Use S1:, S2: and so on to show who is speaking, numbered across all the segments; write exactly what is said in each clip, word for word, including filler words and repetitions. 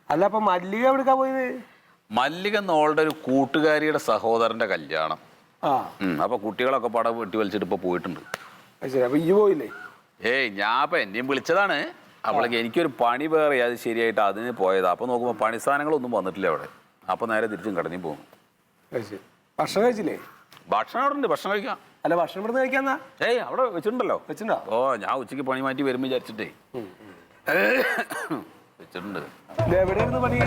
S1: അല്ല അപ്പൊ മല്ലിക എവിടുക്കാ പോയത്?
S2: മല്ലിക എന്നോളുടെ ഒരു കൂട്ടുകാരിയുടെ സഹോദരന്റെ കല്യാണം.
S1: ആ
S2: അപ്പൊ കുട്ടികളൊക്കെ പടം വെട്ടി വലിച്ചിട്ട് ഇപ്പൊ പോയിട്ടുണ്ട്.
S1: ശരി, അപ്പൊ ഇയ്യ് പോയില്ലേ?
S2: ഏയ് ഞാൻ ഇപ്പൊ എന്നെയും വിളിച്ചതാണ്. അവളേക്ക് എനിക്കൊരു പണി വേറെ അത് ശരിയായിട്ട് അതിന് പോയതാ. അപ്പൊ നോക്കുമ്പോ പണി സാധനങ്ങളൊന്നും വന്നിട്ടില്ല അവിടെ. അപ്പൊ നേരെ തിരിച്ചും കടഞ്ഞു പോകുന്നു.
S1: ഭക്ഷണം കഴിച്ചില്ലേ?
S2: ഭക്ഷണം അവിടെ ഉണ്ട്, ഭക്ഷണം കഴിക്കാം.
S1: അല്ല ഭക്ഷണം ഇവിടുന്ന് കഴിക്കാന്നാ?
S2: ഏയ് അവിടെ വെച്ചിട്ടുണ്ടല്ലോ.
S1: വെച്ചിട്ടുണ്ടോ? ഓ
S2: ഞാൻ ഉച്ചക്ക് പണി മാറ്റി വരുമ്പോ വിചാരിച്ചിട്ടേ വെച്ചിട്ടുണ്ട്.
S1: എവിടെയായിരുന്നു പണി?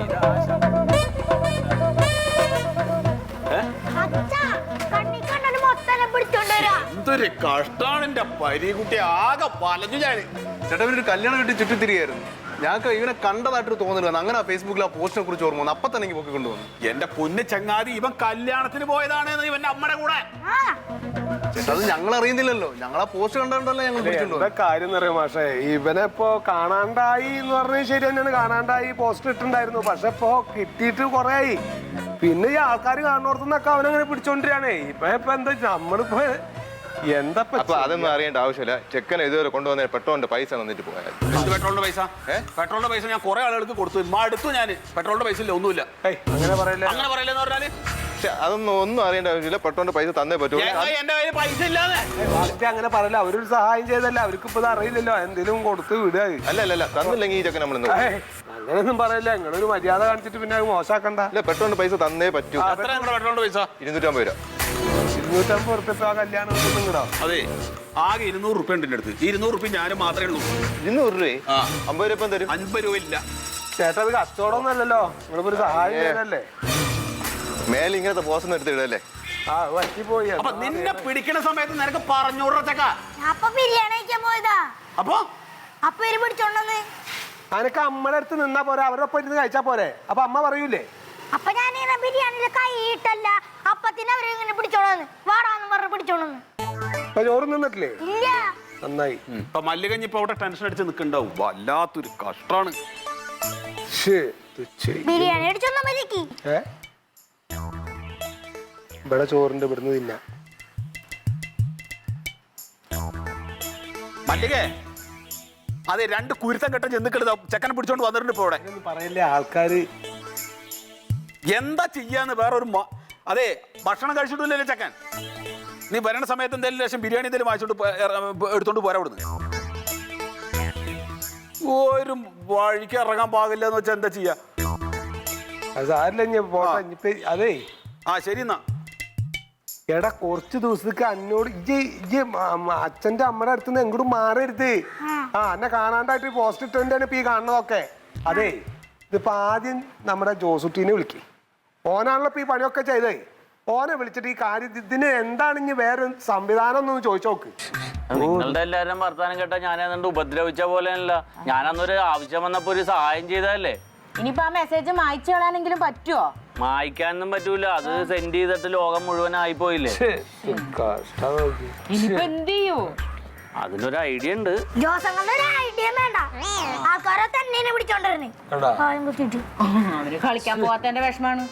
S2: എന്തൊരു കഷ്ടാണ് എന്റെ പരീക്കുട്ടി, ആകെ പലഞ്ഞു ഞാൻ.
S3: ചേട്ടാ ഒരു കല്യാണം കിട്ടി ചുറ്റിത്തിരിയായിരുന്നു. ഞങ്ങൾക്ക് ഇവനെ കണ്ടതായിട്ട് തോന്നുന്നു. അങ്ങനെ ഫേസ്ബുക്കിൽ ആ പോസ്റ്റിനെ കുറിച്ച് ഓർമ്മ വന്നു. അപ്പൊ തന്നെ എനിക്ക് പൊക്കി കൊണ്ടുവന്നു.
S2: എന്റെ പൊന്ന് ചങ്ങാതി, ഇവൻ കല്യാണത്തിന് പോയതാണ് ഇവന്റെ അമ്മയുടെ കൂടെ.
S3: ചേട്ടാ അത് ഞങ്ങൾ അറിയുന്നില്ലല്ലോ. ഞങ്ങൾ ആ പോസ്റ്റ് കണ്ടോണ്ടല്ലോ ഞങ്ങൾ
S1: എന്താ കാര്യം എന്ന് അറിയാം മാഷേ, ഇവനെ ഇപ്പൊ കാണാണ്ടായി എന്ന് പറഞ്ഞത് ശരി തന്നെയാണ്. കാണാണ്ടായി പോസ്റ്റ് ഇട്ടുണ്ടായിരുന്നു. പക്ഷെ ഇപ്പൊ കിട്ടിയിട്ട് കൊറേ ആയി. പിന്നെ ഈ ആൾക്കാർ കാണുന്നോടത്തുനിന്നൊക്കെ അവനങ്ങനെ പിടിച്ചോണ്ടിരിയാണേ. ഇപ്പൊ ഇപ്പൊ എന്താ നമ്മളിപ്പോ എന്താ
S3: അതൊന്നും അറിയേണ്ട ആവശ്യമില്ല. ചെക്കൻ ഇതുവരെ കൊണ്ടുവന്ന പെട്രോളിന്റെ പൈസ തന്നിട്ട് പോയാൽ.
S2: പെട്രോളിന്റെ പൈസ പെട്രോളിന്റെ പൈസ ഞാൻ കുറെ ആളുകൾക്ക് കൊടുത്തു. അടുത്തു ഞാൻ പെട്രോളിന്റെ പൈസ ഇല്ല, ഒന്നുമില്ല.
S1: അങ്ങനെ പറയല്ലേ,
S2: അങ്ങനെ പറയലെന്ന് പറഞ്ഞാല്
S3: അതൊന്നും ഒന്നും അറിയേണ്ട ആവശ്യമില്ല. പെട്രോളിന്റെ പൈസ തന്നേ പറ്റൂ.
S2: എന്റെ കയ്യിൽ പൈസ ഇല്ലാതെ
S1: അങ്ങനെ പറയല്ല. അവരൊരു സഹായം ചെയ്തല്ല, അവർക്ക് ഇപ്പൊ അറിയില്ലല്ലോ. എന്തെങ്കിലും കൊടുത്ത് വിടുക.
S3: അല്ല അല്ല തന്നില്ലെങ്കിൽ ഈ ചെക്കൻ നമ്മൾ
S1: അങ്ങനെയൊന്നും പറയല്ല. നിങ്ങളൊരു മര്യാദ കാണിച്ചിട്ട് പിന്നെ അത് മോശമാക്കണ്ട.
S3: അല്ല പെട്രോളിന്റെ പൈസ തന്നേ പറ്റൂ.
S2: പെട്രോളിന്റെ പൈസ
S3: ഇരുന്നൂറ്റമ്പത് രൂപ.
S1: ഇരുന്നൂറ്റമ്പത് റുപ്യ കല്യാണം നിങ്ങളോ?
S2: അതെ, ആകെ ഇരുന്നൂറ് റുപ്യ ഉണ്ട് എന്റെ അടുത്ത്. ഇരുന്നൂറ് റുപ്യ ഞാനും മാത്രമേ ഉള്ളൂ.
S3: ഇരുന്നൂറ് രൂപ അമ്പത് രൂപ തരും.
S2: അൻപത് രൂപ ഇല്ല
S1: ചേട്ടാ. അത് കച്ചവടമൊന്നും അല്ലല്ലോ, നിങ്ങളിപ്പോ ഒരു സഹായം ചെയ്തല്ലേ.
S3: മേലെ ഇങ്ങനത്തെ പോസ്റ്റ് എടുത്തിടല്ലേ?
S1: ആ പറ്റിപ്പോയി.
S2: അപ്പൊ നിന്നെ പിടിക്കണ സമയത്ത് നിനക്ക് പറഞ്ഞൂറച്ചക്ക
S4: അപ്പൊ ബിരിയാണി കഴിക്കാൻ പോയതാ.
S2: അപ്പൊ
S4: അപ്പൊ ഇവര് പിടിച്ചോണ്ടെന്ന്
S1: അനക്ക് അമ്മയുടെ അടുത്ത് നിന്നാ പോരെ, അവരുടെ ഒപ്പം ഇരുന്ന് കഴിച്ചാ പോരെ. അപ്പൊ അമ്മ പറയൂലേ?
S4: അപ്പൊ ഞാൻ ബിരിയാണിയില് കൈയിട്ടല്ല, അപ്പത്തിന് അവര് ഇങ്ങനെ പിടിച്ചോണെന്ന് വാടാന്ന് പറഞ്ഞ് പിടിച്ചോണെന്ന്.
S1: അപ്പൊ ചോറ് നിന്നിട്ടില്ലേ?
S4: ഇല്ല.
S1: നന്നായി.
S2: ഇപ്പൊ മല്ലികഞ്ഞി ഇപ്പൊ അവിടെ ടെൻഷൻ അടിച്ച് നിൽക്കണ്ടാവും. വല്ലാത്തൊരു കഷ്ടാണ്.
S4: ബിരിയാണി അടിച്ചൊന്നാ മതിക്ക്.
S1: ഏ ഇവിടെ ചോറിന്റെ ഇവിടുന്ന് തിന്നാ.
S2: മല്ലികേ, അതെ രണ്ട് കുരുത്തം കെട്ട ചെന്നിക്കെടുത്ത ചെക്കനെ പിടിച്ചോണ്ട് വന്നിട്ടുണ്ട് ഇപ്പൊ ഇവിടെ.
S1: പറയല്ലേ ആൾക്കാര്
S2: എന്താ ചെയ്യാന്ന് വേറൊരു. അതെ, ഭക്ഷണം കഴിച്ചിട്ടില്ലല്ലോ ചെക്കൻ. നീ വരണ സമയത്ത് എന്തെങ്കിലും ലക്ഷം ബിരിയാണി എന്തെങ്കിലും വാങ്ങിച്ചോണ്ട് എടുത്തോണ്ട് പോരാ ഇവിടുന്ന്. ഒരു വഴിക്ക് ഇറങ്ങാൻ പാകില്ല എന്ന് വെച്ചാൽ എന്താ ചെയ്യാ?
S1: അതേ
S2: ആ ശരി എന്നാ.
S1: എടാ കുറച്ച് ദിവസത്തേക്ക് എന്നോട് ഇജ്ജ് ഇജ്ജ് അച്ഛന്റെ അമ്മയുടെ അടുത്ത് നിന്ന് എങ്ങോട്ടും മാറരുത്. ആ എന്നെ കാണാണ്ടായിട്ട് പോസ്റ്റ് ഇട്ടതിന്റെ ഇപ്പൊ ഈ കാണുന്നതൊക്കെ. അതെ, ഇതിപ്പോ ആദ്യം നമ്മുടെ ജോസുട്ടീനെ വിളിക്ക്. ഓനാണല്ലോ ഇപ്പൊ ഈ പണിയൊക്കെ ചെയ്തേ. ഓനെ വിളിച്ചിട്ട് ഈ കാര്യം ഇതിന് എന്താണ് ഇനി വേറെ സംവിധാനം എന്നൊന്ന് ചോദിച്ചു നോക്ക്.
S5: നിങ്ങളുടെ എല്ലാവരും വർത്താനം കേട്ടാ ഞാനതുകൊണ്ട് ഉപദ്രവിച്ച പോലെയല്ല. ഞാനന്നൊരു ആവശ്യം വന്നപ്പോ ഒരു സഹായം ചെയ്തതല്ലേ.
S6: ഇനിയിപ്പോ ആ മെസ്സേജ് മായ്ച്ചു കളയാനെങ്കിലും പറ്റുമോ?
S5: മായ്ക്കാനൊന്നും പറ്റൂല. അത് സെൻഡ് ചെയ്തിട്ട് ലോകം മുഴുവൻ ആയി പോയില്ലേ.
S6: ഇനിയിപ്പോ എന്ത് ചെയ്യൂ?
S5: അതിനൊരു ഐഡിയ ഉണ്ട്.
S4: ജോസങ്ങളുടെ ഐഡിയ വേണ്ട, ആൾക്കാരെ തന്നെ പിടിച്ചോണ്ടിരുന്നേ.
S6: അവര് കളിക്കാൻ പോവാത്തതിന്റെ വിഷമാണ്.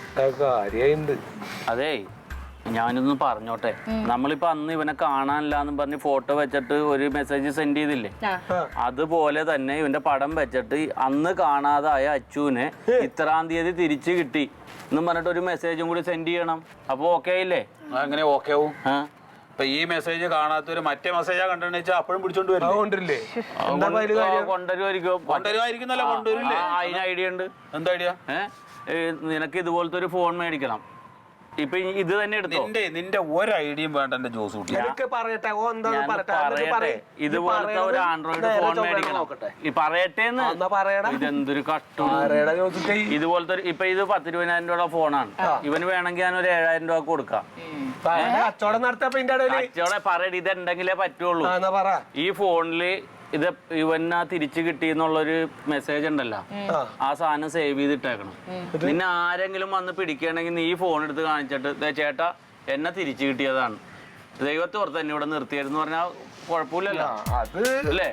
S5: അതേ, ഞാനൊന്ന് പറഞ്ഞോട്ടെ. നമ്മളിപ്പോ അന്ന് ഇവനെ കാണാനില്ലാന്ന് പറഞ്ഞ് ഫോട്ടോ വെച്ചിട്ട് ഒരു മെസ്സേജ് സെൻഡ് ചെയ്തില്ലേ, അതുപോലെ തന്നെ ഇവന്റെ പടം വെച്ചിട്ട് അന്ന് കാണാതായ അച്ചുവിനെ ഇത്രാം തീയതി തിരിച്ചു കിട്ടി എന്നും പറഞ്ഞിട്ട് ഒരു മെസ്സേജും കൂടി സെൻഡ് ചെയ്യണം. അപ്പൊ ഓക്കെ ആയില്ലേ?
S2: അങ്ങനെ ഓക്കെ ആവും. ഇപ്പൊ ഈ മെസ്സേജ് കാണാത്തൊരു മറ്റേ മെസ്സേജാ കണ്ടെന്ന് വെച്ചാൽ അപ്പോഴും പിടിച്ചോണ്ട് വരും.
S1: കൊണ്ടുവരില്ലേ?
S5: കൊണ്ടുവരുമായിരിക്കും.
S2: കൊണ്ടുവരുമായിരിക്കുന്നല്ലോ. കൊണ്ടുവരില്ലേ?
S5: അതിന് ഐഡിയ ഉണ്ട്.
S2: എന്താ ഐഡിയ?
S5: ഏഹ് നിനക്ക് ഇതുപോലത്തെ ഒരു ഫോൺ മേടിക്കണം. ഇപ്പൊ ഇത് തന്നെ എടുത്തോ.
S2: നിന്റെ നിന്റെ ഒരു ഐഡിയയും വേണ്ട എന്റെ ജോസ് കുട്ടി.
S1: പറയട്ടെ
S5: ഇതുപോലത്തെ ഒരു ആൻഡ്രോയിഡ് ഫോൺ മേടിക്കണം. ഈ പറയട്ടേന്ന്. ഇതെന്തൊരു കഷ്ടം. ഇതുപോലത്തെ ഇപ്പൊ ഇത് പത്തിരുപതിനായിരം രൂപ ഫോണാണ്. ഇവന് വേണമെങ്കിൽ ഞാൻ ഒരു ഏഴായിരം രൂപ കൊടുക്കാം.
S1: കച്ചവടം നടത്താൻ
S5: പറയടി, ഇതുണ്ടെങ്കിലേ പറ്റുള്ളൂ. ഈ ഫോണില് ഇത് ഇവനാ തിരിച്ചു കിട്ടി എന്നുള്ളൊരു മെസ്സേജ് ഉണ്ടല്ലോ, ആ സാധനം സേവ് ചെയ്തിട്ടേക്കണം. പിന്നെ ആരെങ്കിലും വന്ന് പിടിക്കുകയാണെങ്കിൽ നീ ഫോൺ എടുത്ത് കാണിച്ചിട്ട് ചേട്ടാ എന്നെ തിരിച്ചു കിട്ടിയതാണ്, ദൈവത്തെ ഓർത്ത് എന്നെ ഇവിടെ നിർത്തിയായിരുന്നു പറഞ്ഞാൽ കുഴപ്പമില്ലല്ലോ.
S1: അല്ലേ?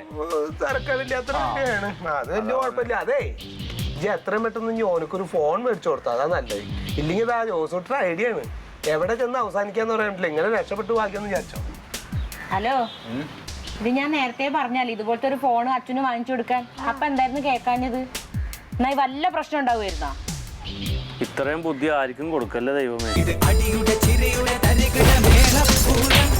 S1: അത് വലിയ കുഴപ്പമില്ല. അതെ, എത്രയും പെട്ടെന്ന് ഇനി ഓനക്കൊരു ഫോൺ മേടിച്ചു കൊടുത്താ അതാ നല്ലത്. ഇല്ലെങ്കിൽ ആ ജോസൂട്ടർ ഐഡിയ ആണ്. എവിടെ ചെന്ന് അവസാനിക്കാന്ന് പറയാൻ പറ്റില്ല. ഇങ്ങനെ രക്ഷപ്പെട്ടു ഭാഗ്യം വിചാരിച്ചോ.
S6: ഹലോ, ഇത് ഞാൻ നേരത്തെ പറഞ്ഞാൽ ഇതുപോലത്തെ ഒരു ഫോൺ അച്ഛന് വാങ്ങിച്ചു കൊടുക്കാൻ. അപ്പൊ എന്തായിരുന്നു കേൾക്കാഞ്ഞത്? എന്നാ വല്ല പ്രശ്നം ഉണ്ടാവുമായിരുന്നോ?
S5: ഇത്രയും ബുദ്ധി ആർക്കും കൊടുക്കല്ലേ ദൈവമേ.
S7: ഇത് അടിയുടെ ചിരയുടെ തരികിട മേളപ്പൂരം